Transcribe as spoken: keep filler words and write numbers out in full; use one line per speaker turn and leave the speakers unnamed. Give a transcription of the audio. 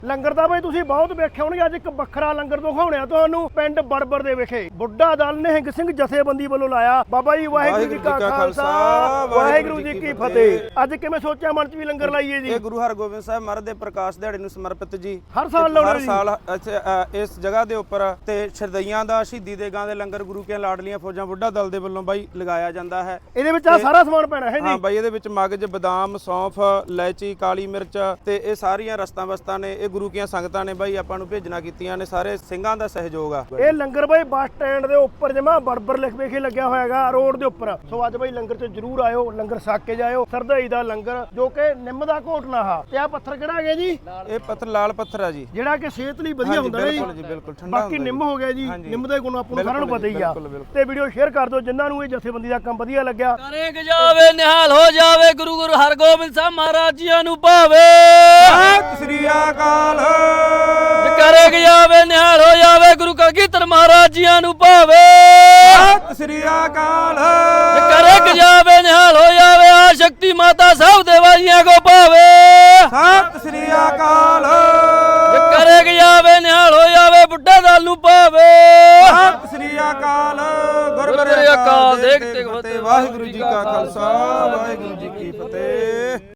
ਲੰਗਰ ਤਾਂ ਬਈ ਤੁਸੀਂ ਬਹੁਤ ਵੇਖੇ ਹੋਣਗੇ। ਅੱਜ ਇੱਕ ਵੱਖਰਾ ਲੰਗਰ ਦਿਖਾਉਣਿਆ ਤੁਹਾਨੂੰ ਪਿੰਡ ਬੜਬੜ ਦੇ ਵਿਖੇ ਬੁੱਢਾ ਦਲ ਨਿਹੰਗ ਸਿੰਘ ਜਥੇਬੰਦੀ ਵੱਲੋਂ ਲਾਇਆ। ਬਾਬਾ ਜੀ ਵਾਹਿਗੁਰੂ ਜੀ ਕਾ ਖਾਲਸਾ ਵਾਹਿਗੁਰੂ ਜੀ ਕੀ ਫਤਿਹ। ਅੱਜ ਕਿਵੇਂ ਸੋਚਿਆ ਮਨ ਚ ਵੀ ਲੰਗਰ ਲਾਈਏ ਜੀ?
ਇਹ ਗੁਰੂ ਹਰਗੋਬਿੰਦ ਸਾਹਿਬ ਮਹਾਰਾਜ ਦੇ ਪ੍ਰਕਾਸ਼ ਦਿਹਾੜੇ ਨੂੰ ਸਮਰਪਿਤ ਜੀ।
ਹਰ ਸਾਲ ਲਾਉਣਾ
ਹਰ
ਜੀ?
ਸਾਲ ਇੱਥੇ, ਅ, ਇਸ ਜਗ੍ਹਾ ਦੇ ਉੱਪਰ ਤੇ ਸ਼ਰਦਈਆਂ ਦਾ ਸ਼ਹੀਦੀ ਦੇ ਗਾਂ ਦੇ ਲੰਗਰ ਗੁਰੂ ਕੇ ਲਾਡਲੀਆਂ ਫੌਜਾਂ ਬੁੱਢਾ ਦਲ ਦੇ ਵੱਲੋਂ ਬਾਈ ਲਗਾਇਆ ਜਾਂਦਾ ਹੈ।
ਇਹਦੇ ਵਿੱਚ ਆ ਸਾਰਾ ਸਮਾਨ ਪੈਣਾ ਹੈ ਜੀ?
ਹਾਂ ਬਾਈ, ਇਹਦੇ ਵਿੱਚ ਮਗਜ, ਬਦਾਮ, ਸੌਂਫ, ਇਲਾਇਚੀ, ਕਾਲੀ ਮਿਰਚ ਤੇ ਇਹ ਸਾਰੀਆਂ ਰਸਤਾਂ ਵਸਤਾਂ ਨੇ। ਇਹ ਗੁਰੂ ਕੀਆਂ ਸੰਗਤਾਂ ਨੇ ਬਾਈ ਆਪਾਂ ਨੂੰ ਭੇਜਣਾ ਕੀਤੀਆਂ ਨੇ। ਸਾਰੇ ਸਿੰਘਾਂ ਦਾ ਸਹਿਯੋਗ ਆ।
ਇਹ ਲੰਗਰ ਬਾਈ ਬੱਸ ਸਟੈਂਡ ਦੇ ਉੱਪਰ ਜਮਾ ਬੜਬੜ ਲਿਖ ਵੇਖੇ ਲੱਗਿਆ ਹੋਇਆਗਾ ਰੋਡ ਦੇ ਉੱਪਰ। ਸੋ ਅੱਜ ਬਾਈ ਲੰਗਰ 'ਚ ਜਰੂਰ ਆਇਓ, ਲੰਗਰ ਛਕ ਕੇ ਜਾਇਓ। ਸਰਦਾਈ ਦਾ ਲੰਗਰ ਜੋ ਕਿ ਨਿੰਮ ਦਾ ਘੋਟਣਾ ਆ। ਤੇ ਆ ਪੱਥਰ ਕਿਹੜਾ ਹੈਗਾ ਜੀ?
ਇਹ ਪੱਥਰ ਲਾਲ ਪੱਥਰ ਆ ਜੀ,
ਜਿਹੜਾ ਕਿ ਸਿਹਤ ਲਈ ਵਧੀਆ ਹੁੰਦਾ ਹੈ ਜੀ।
ਬਿਲਕੁਲ ਜੀ, ਬਿਲਕੁਲ ਠੰਡਾ
ਬਾਕੀ ਨਿੰਮ ਹੋ ਗਿਆ ਜੀ, ਨਿੰਮ ਦੇ ਗੁਣ ਆਪਾਂ ਨੂੰ ਸਾਰਿਆਂ ਨੂੰ ਪਤਾ ਹੀ ਆ। ਤੇ ਵੀਡੀਓ ਸ਼ੇਅਰ ਕਰ ਦਿਓ ਜਿਨ੍ਹਾਂ ਨੂੰ ਇਹ ਜਥੇਬੰਦੀ ਦਾ ਕੰਮ ਵਧੀਆ ਲੱਗਿਆ।
ਕਰੇ ਜਾਵੇ ਨਿਹਾਲ ਹੋ ਜਾਵੇ ਗੁਰੂ ਗੁਰੂ ਹਰਗੋਬਿੰਦ ਸਾਹਿਬ ਮਹਾਰਾਜ ਜੀਆਂ ਨੂੰ ਭਾਵੇ।
ਸਤਿ ਸ੍ਰੀ ਅਕਾਲ।
ਕਰੇ ਜਾਵੇ ਨਿਹਾਲ ਹੋ ਜਾਵੇ ਗੁਰੂ ਕਲਗੀਧਰ ਮਹਾਰਾਜ ਜੀਆਂ ਨੂੰ ਭਾਵੇ।
ਸਤਿ ਸ੍ਰੀ ਅਕਾਲ।
ਕਰੇ ਜਾਵੇ ਨਿਹਾਲ ਹੋ ਜਾਵੇ ਆ ਸ਼ਕਤੀ ਮਾਤਾ ਸਾਹਿਬ ਦੇ ਵਾਲੀਆਂ ਕੋ ਭਾਵੇ।
ਸਤਿ ਸ੍ਰੀ ਅਕਾਲ।
ਕਰੇ ਜਾਵੇ ਨਿਹਾਲ ਹੋ ਜਾਵੇ ਬੁੱਢਾ ਦਲ ਨੂੰ ਭਾਵੇ।
ਸਤਿ ਸ੍ਰੀ ਅਕਾਲ। ਗੁਰਮੁਖੀ ਅਕਾਲ। ਦੇਖਤੇ ਫਤਿਹ। ਵਾਹਿਗੁਰੂ ਜੀ ਕਾ ਖਾਲਸਾ ਵਾਹਿਗੁਰੂ ਜੀ ਕੀ ਫਤਿਹ।